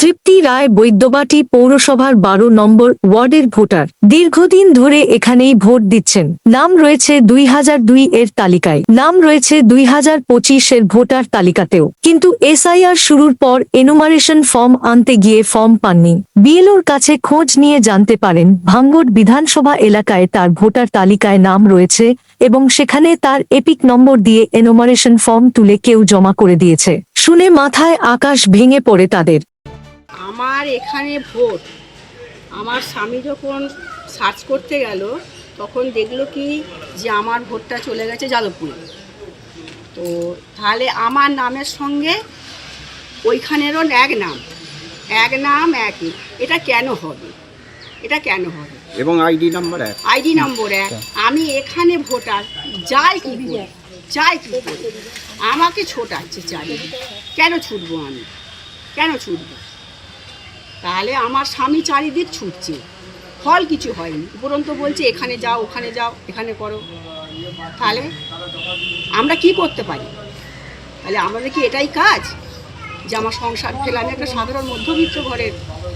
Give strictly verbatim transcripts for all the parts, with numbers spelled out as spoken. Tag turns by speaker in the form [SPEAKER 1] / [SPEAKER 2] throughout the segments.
[SPEAKER 1] তৃপ্তি রায় বৈদ্যবাটি পৌরসভার বারো নম্বর ওয়ার্ডের ভোটার। দীর্ঘদিন ধরে এখানেই ভোট দিচ্ছেন। নাম রয়েছে দুই হাজার দুই এর তালিকায়, নাম রয়েছে দুই হাজার পঁচিশ এর ভোটার তালিকাতেও, কিন্তু এসআইআর শুরুর পর এনুমারেশন ফর্ম আনতে গিয়ে ফর্ম পাননি। বিএলওর কাছে খোঁজ নিয়ে জানতে পারেন ভাঙ্গট বিধানসভা এলাকায় তার ভোটার তালিকায় নাম রয়েছে এবং সেখানে তার এপিক নম্বর দিয়ে এনুমারেশন ফর্ম তুলে কেউ জমা করে দিয়েছে। শুনে মাথায় আকাশ ভেঙে পড়ে তাদের।
[SPEAKER 2] আমার এখানে ভোট, আমার স্বামী যখন সার্চ করতে গেল তখন দেখলো কি যে আমার ভোটটা চলে গেছে যাদবপুরে। তো তাহলে আমার নামের সঙ্গে ওইখানেরও এক নাম এক নাম একই, এটা কেন হবে? এটা কেন হবে?
[SPEAKER 3] এবং আইডি নাম্বার এক
[SPEAKER 2] আইডি নম্বর এক। আমি এখানে ভোটার, যাই কি করে যাই কি করে আমাকে ছোটাচ্ছে চারিদিকে। কেন ছুটবো আমি? কেন ছুটবো? তাহলে আমার স্বামী চারিদিক ছুটছে, ফল কিছু হয়নি, উপরন্ত বলছে এখানে যাও ওখানে যাও এখানে করো। তাহলে আমরা কি করতে পারি? তাহলে আমাদের কি এটাই কাজ যে আমার সংসার ফেলে? আমি একটা সাধারণ মধ্যবিত্ত ঘরের,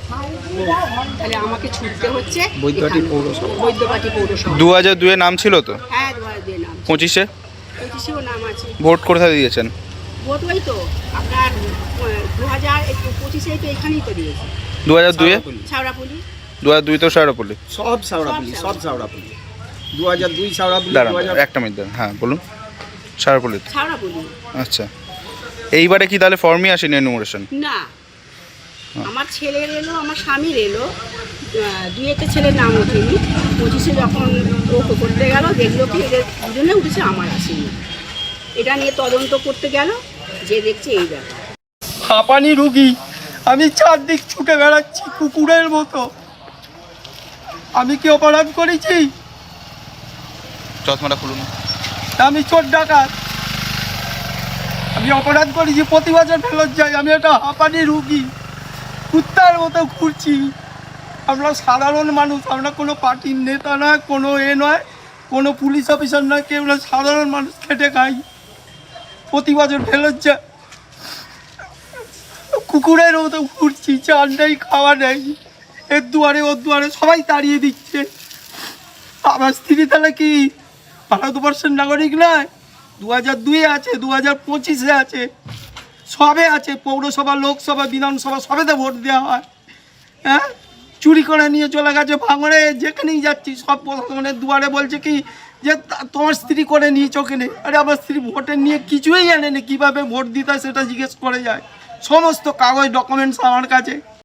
[SPEAKER 2] তাহলে আমাকে ছুটতে হচ্ছে
[SPEAKER 3] বৈদ্যবাটি পৌরসভা।
[SPEAKER 2] বৈদ্যবাটি পৌরসভা।
[SPEAKER 4] দু হাজার দুয়ে নাম ছিল তো?
[SPEAKER 2] হ্যাঁ, দু হাজার দুয়ে নাম।
[SPEAKER 4] পঁচিশে
[SPEAKER 2] পঁচিশেও নাম আছে।
[SPEAKER 4] ভোট কোথায় দিয়েছেন?
[SPEAKER 2] ভোট ওই তো আপনার দু হাজার পঁচিশেই তো এখানেই তো দিয়েছে।
[SPEAKER 4] দু হাজার দুয়ে
[SPEAKER 2] ছাওড়াপুলি।
[SPEAKER 4] দু হাজার দুই তো সারাপল্লী।
[SPEAKER 3] সব সাউড়াপুলি, সব সাউড়াপুলি। দু হাজার দুই সাউড়াপুলি।
[SPEAKER 4] দাঁড়ান একটা মিনিট দাঁড়ান, হ্যাঁ বলুন। সারাপল্লী।
[SPEAKER 2] ছাওড়াপুলি।
[SPEAKER 4] আচ্ছা, এইবারে কি তাহলে ফর্মই আসেনি এনুমারেশন?
[SPEAKER 2] না, আমার ছেলের এলো, আমার স্বামীর এলো, দুইয়েতে ছেলের নাম ওঠেনি। পঁচিশে যখন ও করতে গেল দেখলো কি এদের দুজনে উঠেছে, আমার আসেনি। এটা নিয়ে তদন্ত করতে গেল, যে দেখছে এই ব্যাপার।
[SPEAKER 5] হাঁপানি রুগী, আমি চারদিক ছুটে বেড়াচ্ছি কুকুরের মতো। আমি কি অপরাধ করেছি?
[SPEAKER 4] চশমাটা খুলুন।
[SPEAKER 5] আমি চোর ডাকাত? আমি অপরাধ করেছি? প্রতি বছর ফেরত যাই। আমি একটা হাঁপানি রুগী, কুত্তার মতো ঘুরছি। আমরা সাধারণ মানুষ, আমরা কোনো পার্টির নেতা নয়, কোনো এ নয়, কোনো পুলিশ অফিসার নয়, কেউ না, সাধারণ মানুষ খেটে খাই। প্রতি বছর ফেরত যায়, কুকুরের মতো ঘুরছি, চাল নেই, খাওয়া নেই, এর দুয়ারে ওর দুয়ারে সবাই তাড়িয়ে দিচ্ছে। আমার স্ত্রী তাহলে কি ভারতবর্ষের নাগরিক নয়? দু হাজার দুয়ে আছে, দু হাজার পঁচিশে আছে, সবে আছে। পৌরসভা, লোকসভা, বিধানসভা সবেতে ভোট দেওয়া হয়। হ্যাঁ, চুরি করে নিয়ে চলে গেছে ভাঙড়ে। যেখানেই যাচ্ছি সব প্রশাসনের দুয়ারে বলছে কি যে তোমার স্ত্রী করে নিয়েছ ওখানে। আরে আমার স্ত্রী ভোটের নিয়ে কিছুই জানে না, কীভাবে ভোট দিতে হয় সেটা জিজ্ঞেস করে যায়। সমস্ত কাগজ ডকুমেন্টস আমার কাছে।